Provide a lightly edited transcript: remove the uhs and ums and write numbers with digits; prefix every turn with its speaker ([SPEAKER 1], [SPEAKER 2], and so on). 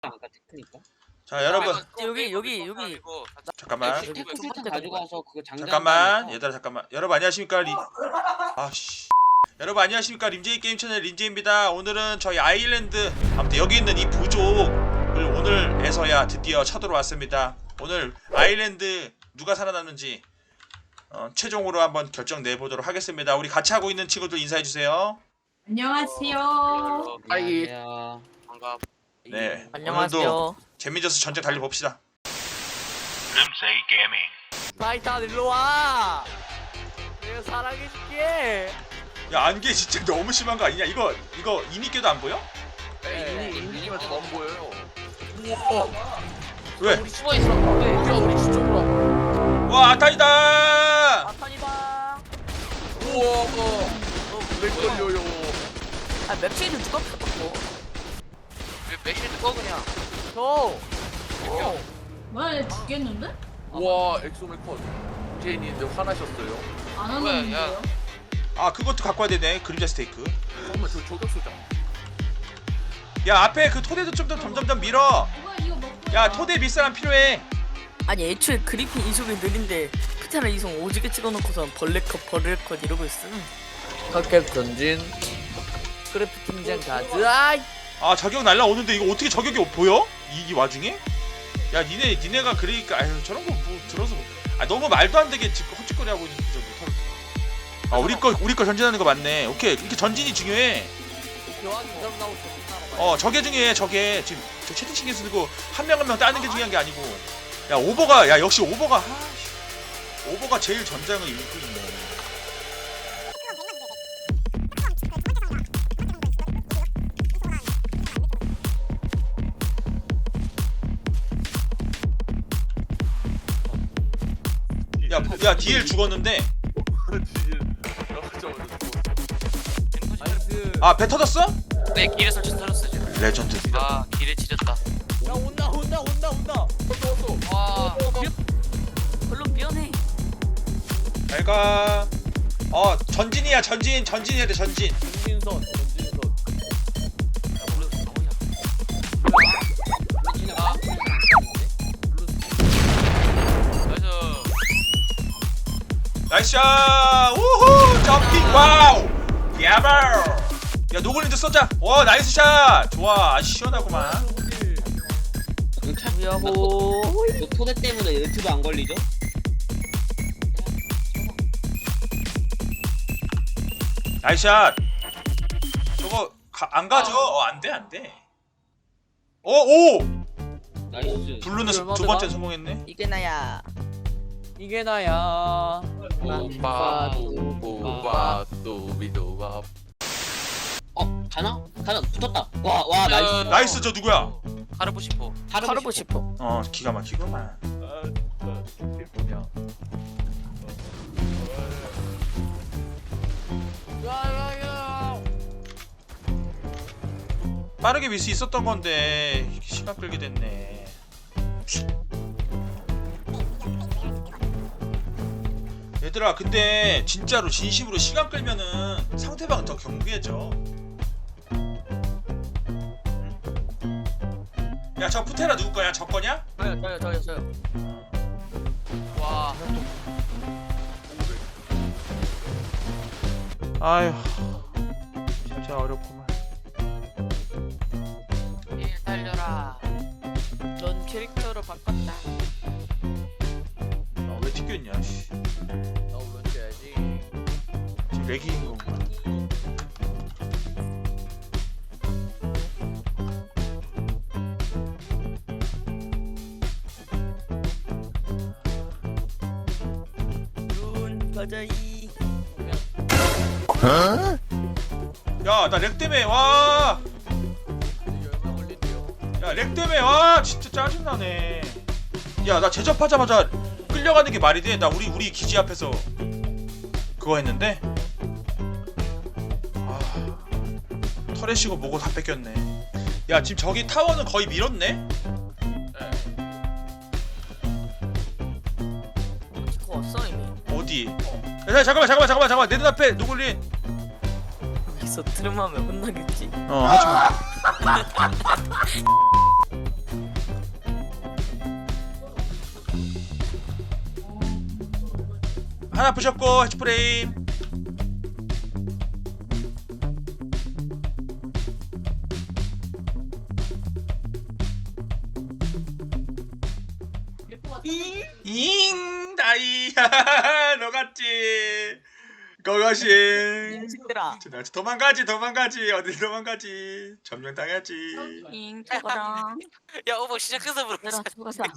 [SPEAKER 1] 아까 테크니까.
[SPEAKER 2] 자 여러분
[SPEAKER 3] 여기
[SPEAKER 2] 잠깐만
[SPEAKER 1] 테크 실탄 가져가서 그거 장전.
[SPEAKER 2] 잠깐만 얘들아 잠깐만 여러분 안녕하십니까 아씨 여러분 안녕하십니까 림제이 게임 채널 림제이입니다. 오늘은 저희 아일랜드 아무튼 여기 있는 이 부족을 오늘에서야 드디어 찾으러 왔습니다. 오늘 아일랜드 누가 살아남는지 최종으로 한번 결정 내보도록 하겠습니다. 우리 같이 하고 있는 친구들 인사해주세요.
[SPEAKER 4] 안녕하세요.
[SPEAKER 1] 하이.
[SPEAKER 3] 반갑.
[SPEAKER 2] 네
[SPEAKER 3] 안녕하세요.
[SPEAKER 2] 오늘도 재미져서 전쟁 달려봅시다.
[SPEAKER 5] 림세이 게이밍.
[SPEAKER 3] 타이탄 일로 와. 내가 사랑해줄게.
[SPEAKER 2] 야 안개 진짜 너무 심한 거 아니냐? 이거 이니께도 안 보여?
[SPEAKER 3] 이니면 더안 보여요.
[SPEAKER 2] 왜?
[SPEAKER 3] 우리 숨어 있어. 우리 뒤쪽으로.
[SPEAKER 2] 와 아타이다!
[SPEAKER 3] 아탄이다.
[SPEAKER 6] 우와, 왜 걸려요?
[SPEAKER 3] 아 맵시드 누가 펴봤고? 맵시드 꺼 그냥. 저.
[SPEAKER 4] 뭐야, 얘 죽겠는데?
[SPEAKER 6] 우와, 엑소멜 컷. 제인인데 화나셨어요?
[SPEAKER 4] 안 하는데요?
[SPEAKER 2] 아 그것도 갖고 와야 되네. 그림자 스테이크.
[SPEAKER 6] 정말 저 저격수장.
[SPEAKER 2] 야 앞에 그 토대도 좀 더 점점점 밀어.
[SPEAKER 4] 이거 먹고.
[SPEAKER 2] 야 토대 밀 사람 필요해.
[SPEAKER 3] 아니 애초에 그리핀 이속이 느린데 피타나 이속 오지게 찍어놓고선 벌레컷 이러고 있음.
[SPEAKER 7] 컵캡 전진 크래프팅장 가드. 아이
[SPEAKER 2] 아 저격 날라오는데 이거 어떻게 저격이 보여? 이 와중에? 야 니네가 그러니까 아유 저런 거 뭐 들어서 아 너무 말도 안 되게 지금 헛짓거리 하고 있는 저 못하겠다. 아 우리 거 전진하는 거 맞네. 오케이 이렇게 전진이 중요해.
[SPEAKER 7] 교환 이점 나오고
[SPEAKER 2] 저게 중요해. 저게 지금 저 채팅 신경 쓰고 한 명 한 명 따는 게 중요한 게 아니고. 야 오버가 야 역시 오버가 오버가 제일 전장을 읽고 있네. 야 DL 죽었는데.
[SPEAKER 7] 나이스.
[SPEAKER 2] 아 배 터졌어?
[SPEAKER 3] 네 길에 설치 터졌어 지금.
[SPEAKER 2] 레전드.
[SPEAKER 3] 아 길에 지렸다.
[SPEAKER 7] 야 온다.
[SPEAKER 3] 와. 별로 미안해.
[SPEAKER 2] 잘가. 전진이야 전진해야 돼 전진.
[SPEAKER 7] 전진선.
[SPEAKER 2] 나이스샷! 우후! 점핑 와우! 야발! 야 노골린드 쏘자! 와 나이스 샷! 좋아 시원하구만.
[SPEAKER 3] 야호.
[SPEAKER 1] 너 토대 때문에 유튜브 안 걸리죠?
[SPEAKER 2] 나이스 샷! 저거 안 가죠? 안돼 오!
[SPEAKER 1] 나이스.
[SPEAKER 2] 블루는 두 번째 성공했네.
[SPEAKER 3] 이게 나야.
[SPEAKER 7] 이게 나야.
[SPEAKER 6] 우바, 두비두바.
[SPEAKER 1] 가나 붙었다. 와 나이스.
[SPEAKER 2] 나이스 저 누구야?
[SPEAKER 3] 가르고 싶어. 가르고 싶어.
[SPEAKER 2] 기가 막히구만.
[SPEAKER 6] 뭐냐?
[SPEAKER 2] 빠르게 밀 수 있었던 건데 시간 끌게 됐네. 얘들아 근데 진짜로 진심으로 시간 끌면은 상대방 더 경계해져. 야 저 푸테라 누구 거야? 저 거냐?
[SPEAKER 3] 저요. 와.
[SPEAKER 2] 아휴 진짜 어렵구만.
[SPEAKER 3] 일 달려라. 넌 캐릭터로 바꿨다.
[SPEAKER 2] 왜 튀겼냐? 씨.
[SPEAKER 7] 나 올려줘야지.
[SPEAKER 2] 지금 렉인 건가?
[SPEAKER 3] 눈 가자이.
[SPEAKER 2] 야 나 렉 때문에 와.
[SPEAKER 7] 이게 얼마 걸린대요?
[SPEAKER 2] 야 렉 때문에 와 진짜 짜증나네. 야 나 제접하자마자 끌려가는 게 말이 돼? 나 우리 기지 앞에서 그거 했는데 털에 쉬고 뭐고 다 뺏겼네. 야 지금 저기 타워는 거의 밀었네?
[SPEAKER 3] 그거 왔어 이미.
[SPEAKER 2] 어디? 야 잠깐만 내 눈앞에 노골린.
[SPEAKER 3] 여기서 트름하면 혼나겠지.
[SPEAKER 2] 하지마. 하나 부셨고 해치프레임. 잉 다이 너같지 고고싱.
[SPEAKER 3] 식들아
[SPEAKER 2] 도망가지 어딜 도망가지 점령당하지.
[SPEAKER 3] 잉 저거랑
[SPEAKER 6] 야 오버 시작해서 물어.
[SPEAKER 3] 얘들아 죽어서